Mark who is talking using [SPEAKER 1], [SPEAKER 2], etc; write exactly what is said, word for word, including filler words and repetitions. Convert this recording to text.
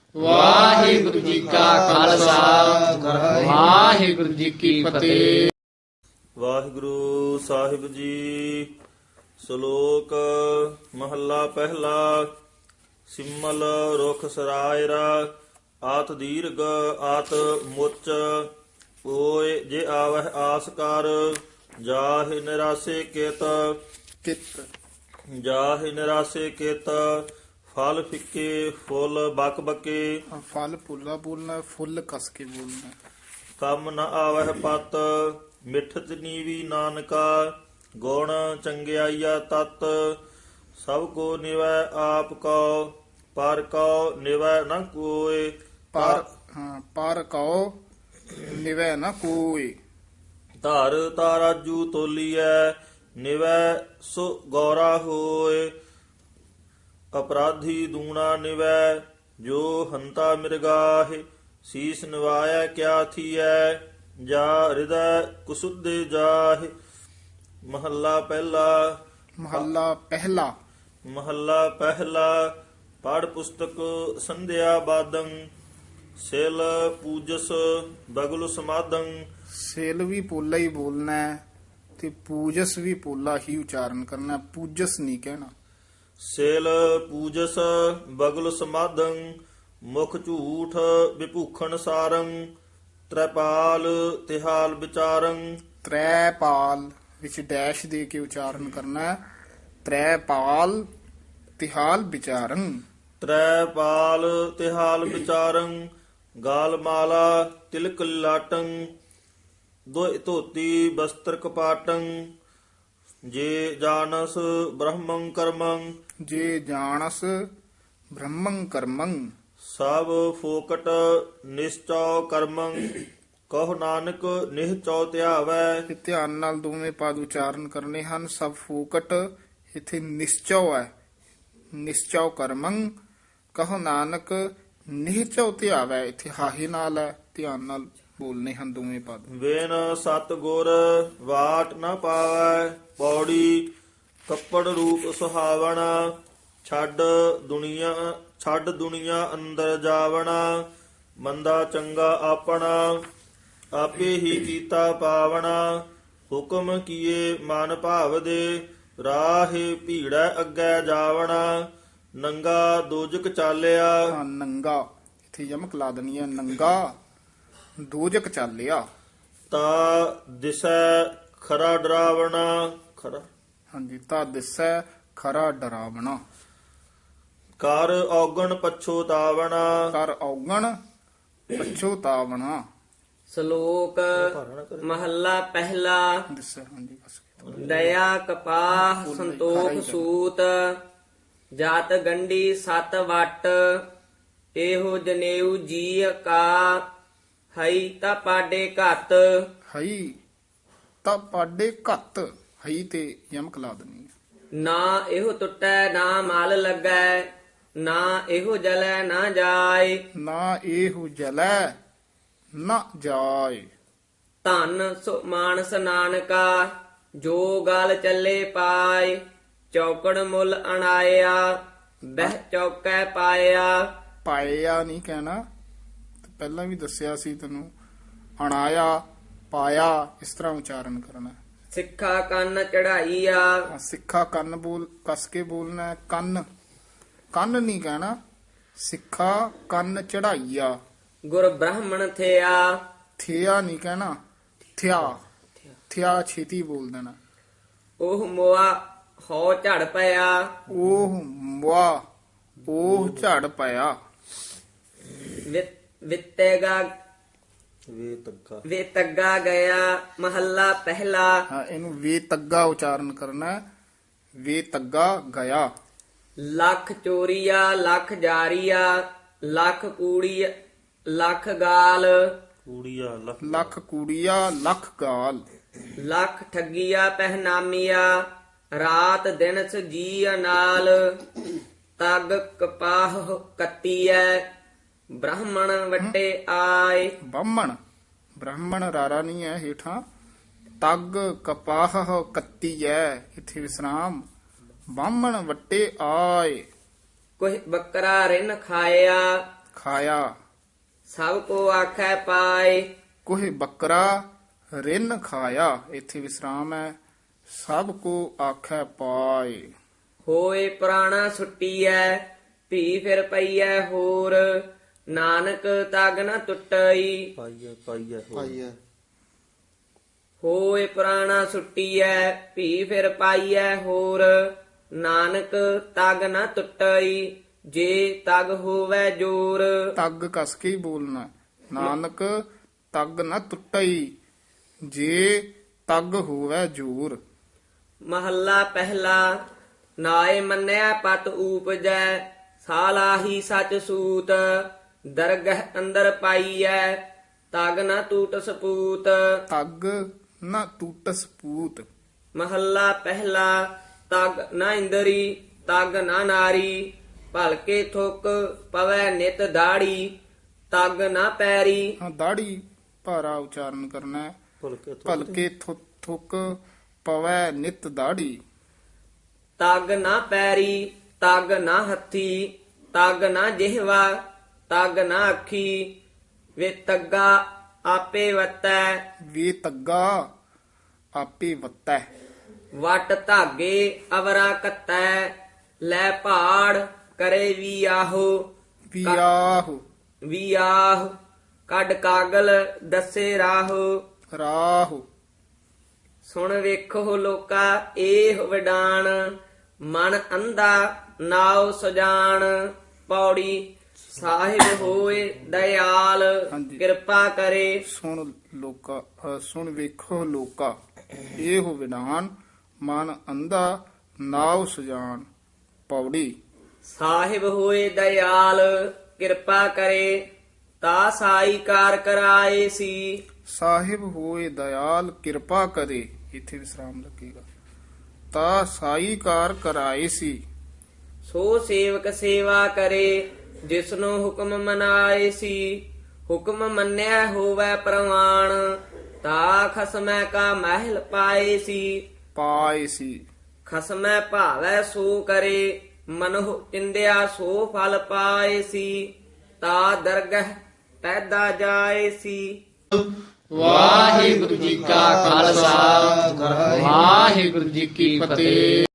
[SPEAKER 1] ਵਾਹਿਗੁਰੂ ਜੀ ਕਾ ਖਾਲਸਾ ਵਾਹਿਗੁਰੂ ਜੀ ਕੀ ਫਤਿਹ।
[SPEAKER 2] ਵਾਹਿਗੁਰੂ ਸਾਹਿਬ ਜੀ। ਸ਼ਲੋਕ ਮਹੱਲਾ ਪਹਿਲਾ। ਸਿਮਲ ਰੁਖ ਸਰਾਇਰਾ ਆਤ ਦੀਰਘ ਆਤ ਮੁੱਚ ਓਏ ਜੇ ਆਵਹਿ ਆਸ ਕਰ ਜਾਹਿ ਨਿਰਾਸੇ ਕਿਤ
[SPEAKER 1] ਕਿਤ
[SPEAKER 2] ਜਾਹਿ ਨਿਰਾਸੇ ਕਿਤ ਫਲ ਫਿੱਕੇ ਫੁੱਲ ਬਕ ਬਕੇ
[SPEAKER 1] ਫਲ ਪੁੱਲਾ ਬੋਲਣਾ, ਫੁੱਲ ਕਸ ਕੇ ਬੋਲਣਾ।
[SPEAKER 2] ਕੰਮ ਨ ਆਵਹਿ ਪਤ ਮਿਠਤ ਨੀਵੀ ਨਾਨਕਾ ਗੁਣ ਚੰਗਿਆਈਆ ਤਤ ਸਭ ਕੋ ਨਿਵੈ ਆਪ ਕੋ ਪਰ ਕੋ ਨਿਵੈ ਨ ਕੋਇ
[SPEAKER 1] ਪਰ ਹਾਂ ਪਰ ਕਉ ਨਿਵੈ ਨਾ ਕੋਈ।
[SPEAKER 2] ਧਰ ਤਾਰਾਜੂ ਤੋਲੀਐ ਨਿਵੈ ਸੋ ਗੌਰਾ ਹੋਏ ਅਪਰਾਧੀ ਦੂਣਾ ਨਿਵੈ ਜੋ ਹੰਤਾ ਮਿਰਗਾਹਿ ਸੀਸ ਨਿਵਾਇ ਕਿਆ ਥੀਐ ਜਾ ਹਿਰਦੈ ਕੁਸੁਦੇ ਜਾਹਿ। ਮਹੱਲਾ ਪਹਿਲਾ।
[SPEAKER 1] ਮਹੱਲਾ ਪਹਿਲਾ।
[SPEAKER 2] ਮਹੱਲਾ ਪਹਿਲਾ। ਪੜ ਪੁਸਤਕ ਸੰਧਿਆ ਬਾਦੰ ਸਿਲ ਪੂਜਸ ਬਗਲ ਸਮਾਦੰ।
[SPEAKER 1] ਸੇਲ ਵੀ ਪੋਲਾ ਹੀ ਬੋਲਣਾ ਹੈ ਤੇ ਪੂਜਸ ਵੀ ਪੋਲਾ ਹੀ ਉਚਾਰਨ ਕਰਨਾ, ਪੂਜਸ ਨਹੀਂ ਕਹਿਣਾ।
[SPEAKER 2] ਸਿਲ ਪੂਜਸ ਬਗਲ ਸਮਾਦੰ ਮੁਖ ਝੂਠ ਵਿਭੂਖਣ ਸਾਰੰ ਤ੍ਰੈਪਾਲ ਤਿਹਾਲ ਵਿਚਾਰੰ।
[SPEAKER 1] ਤ੍ਰੈਪਾਲ ਵਿੱਚ ਡੈਸ਼ ਦੇ ਕੇ ਉਚਾਰਨ ਕਰਨਾ ਹੈ। ਤ੍ਰੈਪਾਲ ਤਿਹਾਲ ਵਿਚਾਰੰ।
[SPEAKER 2] ਤ੍ਰੈਪਾਲ ਤਿਹਾਲ ਵਿਚਾਰੰ ਗਾਲ ਮਾਲਾ ਤਿਲਕ ਲਾਟੰ ਦੋਇ ਧੋਤੀ ਬਸਤਰ ਕਪਾਟੰ ਜੇ ਜਾਣਸ ਬ੍ਰਹਮੰ ਕਰਮੰ।
[SPEAKER 1] ਜੇ ਜਾਣਸ ਬ੍ਰਹਮੰ ਕਰਮੰ।
[SPEAKER 2] ਸਭ ਫੋਕਟ ਨਿਸ਼ਚਉ ਕਰਮੰ ਕਹੁ ਨਾਨਕ ਨਿਹਚਉ ਧਿਆਵੈ।
[SPEAKER 1] ਇਹ ਧਿਆਨ ਨਾਲ ਦੋਵੇਂ ਪਦ ਉਚਾਰਨ ਕਰਨੇ ਹਨ। ਸਭ ਫੂਕਟ ਇੱਥੇ ਨਿਸ਼ਚਉ ਹੈ। ਨਿਸ਼ਚਉ ਕਰਮੰ ਕਹੋ ਨਾਨਕ ਨਿਹਚਉ ਧਿਆਵੈ, ਇੱਥੇ ਹਾਹੇ ਨਾਲ ਹੈ। ਧਿਆਨ ਨਾਲ ਬੋਲਨੇ ਹਨ ਦੋਵੇਂ ਪਦ।
[SPEAKER 2] ਵੇਨ ਸਤ ਗੁਰ ਵਾਟ ਨ ਪਾਵੈ ਪੌੜੀ ਕੱਪੜ ਰੂਪ ਸੁਹਾਵਣਾ ਛੱਡ ਦੁਨੀਆ ਛੱਡ ਦੁਨੀਆ ਅੰਦਰ ਜਾਵਣਾ ਮੰਦਾ ਚੰਗਾ ਆਪਣਾ ਆਪੇ ਹੀ ਕੀਤਾ ਪਾਵਣਾ ਹੁਕਮ ਕੀਏ ਮਨ ਭਾਵ ਦੇ ਰਾਹੇ ਭੀੜੈ ਅੱਗੇ ਜਾਵਣਾ ਨੰਗਾ ਦੋਜਕ ਚਾਲਿਆ।
[SPEAKER 1] ਹਾਂ, ਨੰਗਾ ਇੱਥੇ ਯਮਕ ਲਾ ਦੇਣੀ ਹੈ। ਨੰਗਾ ਦੋਜਕ ਚਾਲਿਆ।
[SPEAKER 2] ਤਾ ਦਿਸੈ ਖਰਾ ਡਰਾਵਣਾ ਖਰਾ
[SPEAKER 1] ਹਾਂਜੀ, ਤਾਂ ਦਿਸੈ ਖਰਾ ਡਰਾਵਣਾ।
[SPEAKER 2] ਕਰ ਔਗਣ ਪਛੋਤਾਵਣਾ
[SPEAKER 1] ਕਰ ਔਗਣ ਪਛੋਤਾਵਣਾ।
[SPEAKER 3] ਸ਼ਲੋਕ ਮਹੱਲਾ ਪਹਿਲਾ।
[SPEAKER 1] ਦਿਸੈ ਹਾਂਜੀ ਬਸ।
[SPEAKER 3] ਦਇਆ ਕਪਾਹ ਸੰਤੋਖ ਸੂਤ ਜਾਤ ਗੰਢੀ ਸਤ ਵਟ ਇਹੋ ਜਨੇਊ ਜੀ ਕਾ ਹਈ ਤਾ ਪਾਡੇ ਘਤ।
[SPEAKER 1] ਹਈ ਤਾਂ ਪਾਡੇ ਘੱਤ, ਹਈ ਤੇ ਯਮਕ ਲਾ ਦੇਣੀ ਹੈ।
[SPEAKER 3] ਨਾ ਇਹੋ ਟੁੱਟੈ ਨਾ ਮਲ ਲੱਗੈ ਨਾ ਇਹੋ ਜਲੈ ਨਾ ਜਾਏ।
[SPEAKER 1] ਨਾ ਇਹੋ ਜਲੈ ਨਾ ਜਾਏ।
[SPEAKER 3] ਧਨ ਸੋ ਮਾਨਸ ਨਾਨਕਾ ਜੋ ਗਲ ਚੱਲੇ ਪਾਏ ਚੌਕੜ ਮੁੱਲ ਅਣਾਇਆ ਬਹਿ ਚੌਕੈ ਪਾਇਆ।
[SPEAKER 1] ਪਾਇਆ ਨਹੀਂ ਕਹਿਣਾ, ਪਹਿਲਾਂ ਵੀ ਦੱਸਿਆ ਸੀ ਤੈਨੂੰ। ਅਣਾਇਆ ਪਾਇਆ ਇਸ ਤਰ੍ਹਾਂ ਉਚਾਰਨ ਕਰਨਾ।
[SPEAKER 3] ਸਿੱਖਾ ਕੰਨ ਚੜਾਈਆ
[SPEAKER 1] ਆਹ ਸਿੱਖਾ ਕੰਨ ਬੋਲ ਕਸ ਕੇ ਬੋਲਣਾ ਹੈ। ਕੰਨ ਕੰਨ ਨਹੀਂ ਕਹਿਣਾ। ਸਿੱਖਾ ਕੰਨ ਚੜਾਈਆ।
[SPEAKER 3] ਗੁਰ ਬ੍ਰਾਹਮਣ ਥਿਆ
[SPEAKER 1] ਥਿਆ ਨਹੀਂ ਕਹਿਣਾ। ਥਿਆ ਥਿਆ ਛੇਤੀ ਬੋਲ ਦੇਣਾ।
[SPEAKER 3] ਉਹ ਮੋਆ ਹੋ ਝੜ ਪਿਆ
[SPEAKER 1] ਉਹ ਮੁਆ ਉਹ ਝੜ ਪਿਆ।
[SPEAKER 3] ਵਿ- ਵਿਤੇਗਾ
[SPEAKER 2] ਵੇ ਤੱਕਾ
[SPEAKER 3] ਵੇ ਤੱਗਾ ਗਿਆ। ਮਹੱਲਾ ਪਹਿਲਾ।
[SPEAKER 1] ਹਾਂ, ਇਹਨੂੰ ਵੇ ਤੱਗਾ ਉਚਾਰਨ ਕਰਨਾ ਹੈ। ਵੇ ਤੱਗਾ ਗਿਆ।
[SPEAKER 3] ਲੱਖ ਚੋਰੀਆ ਲੱਖ ਜਾਰੀਆ ਲੱਖ ਕੂੜੀ ਲੱਖ ਗਾਲ
[SPEAKER 2] ਕੂੜੀਆ ਲੱਖ
[SPEAKER 1] ਲੱਖ ਕੂੜੀਆ ਲੱਖ ਗਾਲ।
[SPEAKER 3] ਲੱਖ ਠੱਗੀਆ ਪਹਿਨਾਮੀਆ ਰਾਤ ਦਿਨ ਸਜੀ ਨਾਲ ਤਗ ਕਪਾਹ ਕੱਤੀਐ ਬ੍ਰਾਹਮਣ ਵੱਟੇ ਆਏ।
[SPEAKER 1] ਬਾਹਮਣ ਬ੍ਰਾਹਮਣ ਰਾਰਾ ਨਹੀਂ ਹੈ ਹੇਠਾਂ। ਤਗ ਕਪਾਹ ਕੱਤੀ ਹੈ ਇੱਥੇ ਵਿਸਰਾਮ। ਬਾਹਮਣ ਵੱਟੇ ਆਏ।
[SPEAKER 3] ਕੋਈ ਬੱਕਰਾ ਰਿਨ ਖਾਇਆ
[SPEAKER 1] ਖਾਇਆ।
[SPEAKER 3] ਸਭ ਕੋ ਆਖੈ ਪਾਏ
[SPEAKER 1] ਕੋਹ ਬੱਕਰਾ ਰਿੰਨ ਖਾਇਆ। ਇੱਥੇ ਵਿਸਰਾਮ ਹੈ। ਸਭ ਕੋ ਆਖੈ ਪਾਏ।
[SPEAKER 3] ਹੋਏ ਪ੍ਰਾਣਾ ਛੁੱਟੀਐ ਭੀ ਫਿਰ ਪਈਐ ਹੋਰ ਨਾਨਕ ਤਗ ਨ ਟੁੱਟਈ
[SPEAKER 2] ਪਾਈਐ ਪਾਈਐ ਹੋ।
[SPEAKER 4] ਪਾਈਐ
[SPEAKER 3] ਹੋਏ ਪ੍ਰਾਣਾ ਛੁੱਟੀਐ ਭੀ ਫਿਰ ਪਾਈਐ ਹੋਰ ਨਾਨਕ ਤਗ ਨ ਟੁੱਟਈ ਜੇ ਤਗ ਹੋਵੇ ਜੋਰ।
[SPEAKER 1] ਤੱਗ ਕਸ ਕੇ ਹੀ ਬੋਲਣਾ। ਨਾਨਕ ਤੱਗ ਨਾ ਟੁੱਟਈ ਜੇ ਤੱਗ ਹੋਵੇ ਜੂਰ।
[SPEAKER 3] ਮਹੱਲਾ ਪਹਿਲਾ ਨਾਏ ਮੰਨਿਆ ਪਤ ਊਪਜੈ ਸਾਲਾਹੀ ਸਚ ਸੂਤ ਦਰਗਹ ਅੰਦਰ ਪਾਈਐ ਤਗ ਨ ਟੂਟ ਸਪੂਤ।
[SPEAKER 1] ਤੱਗ ਨਾ ਟੂਟਸ ਪੂਤ।
[SPEAKER 3] ਮਹੱਲਾ ਪਹਿਲਾ ਤਗ ਨਾ ਇੰਦਰੀ ਤਗ ਨਾ ਨਾਰੀ ਭਲਕੇ ਥੁਕ ਪਵੈ ਨਿਤ ਦਾੜੀ ਤਗ ਨਾ ਪੈਰੀ।
[SPEAKER 1] ਹਾਂ ਦਾੜੀ ਭਾਰਾ ਉਚਾਰਨ ਕਰਨਾ ਹੈ।
[SPEAKER 2] ਭਲਕੇ ਥੁੱਕ
[SPEAKER 1] ਭਲਕੇ ਥੁ- ਥੁੱਕ ਪਵੈ ਨਿਤ ਦਾੜੀ।
[SPEAKER 3] ਤਗ ਨਾ ਪੈਰੀ ਤਗ ਨਾ ਹੱਥੀ ਤਗ ਨਾ ਜਿਹਵਾ ਤਗ ਨਾ ਅੱਖੀ ਵੇ ਤੱਗਾ ਆਪੇ ਵਤੈ
[SPEAKER 1] ਵੇ ਤੱਗਾ ਆਪੇ ਵੱਤੈ।
[SPEAKER 3] ਵਟ ਧਾਗੇ ਅਵਰਾ ਕੱਤੈ ਲੈ ਪਹਾੜ ਕਰੇ ਵੀ ਆਹੋ
[SPEAKER 1] ਵਿਆਹ
[SPEAKER 3] ਵੀ ਆਹ ਕੱਢ ਕਾਗਲ ਦੱਸੇ ਰਾਹੋ।
[SPEAKER 1] ਰਾਹ
[SPEAKER 3] ਸੁਣ ਵੇਖੋ ਲੋਕਾ ਇਹ ਵਿਡਾਣ ਮਨ ਅੰਧਾ ਨਾਉ ਸਜਾਣ ਪੌੜੀ ਸਾਹਿਬ ਹੋਏ ਦਇਆਲ
[SPEAKER 1] ਹਾਂਜੀ।
[SPEAKER 3] ਕਿਰਪਾ ਕਰੇ।
[SPEAKER 1] ਸੁਣ ਲੋਕਾ ਅ, ਸੁਣ ਵੇਖੋ ਲੋਕਾ ਇਹ ਵਿਡਾਨ ਮਨ ਅੰਧਾ ਨਾਉ ਸਜਾਨ। ਪੌੜੀ
[SPEAKER 3] ਸਾਹਿਬ ਹੋਏ ਦਇਆਲ ਕਿਰਪਾ ਕਰੇ ਤਾ ਸਾਈ ਕਾਰ ਕਰਾਏ ਸੀ।
[SPEAKER 1] ਸਾਹਿਬ ਹੋਏ ਦਇਆਲ ਕਿਰਪਾ ਕਰੇ। ਇੱਥੇ ਵਿਸਰਾਮ ਲੱਗੇਗਾ। ਤਾ ਸਾਈ ਕਾਰ ਕਰਾਏ ਸੀ।
[SPEAKER 3] ਸੋ ਸੇਵਕ ਸੇਵਾ ਕਰੇ ਜਿਸਨੂੰ ਹੁਕਮ ਮਨਾਏ ਸੀ। ਹੁਕਮ ਮੰਨਿਆ ਹੋਵੇ ਪ੍ਰਮਾਣ ਤਾ ਖਸਮੈ ਕਾ ਮਹਿਲ ਪਾਏ ਸੀ।
[SPEAKER 1] ਪਾਏ ਸੀ।
[SPEAKER 3] ਖਸਮੈ ਭਾਵੈ ਸੋ ਕਰੇ ਮਨੁ ਚਿੰਦਿਆ ਸੋ ਫਲ ਪਾਏ ਸੀ। ਤਾ ਦਰਗਹ ਪੈਦਾ ਜਾਏ ਸੀ।
[SPEAKER 5] ਵਾਹਿਗੁਰੂ ਜੀ ਕਾ ਖਾਲਸਾ ਵਾਹਿਗੁਰੂ ਜੀ ਕੀ ਫਤਿਹ।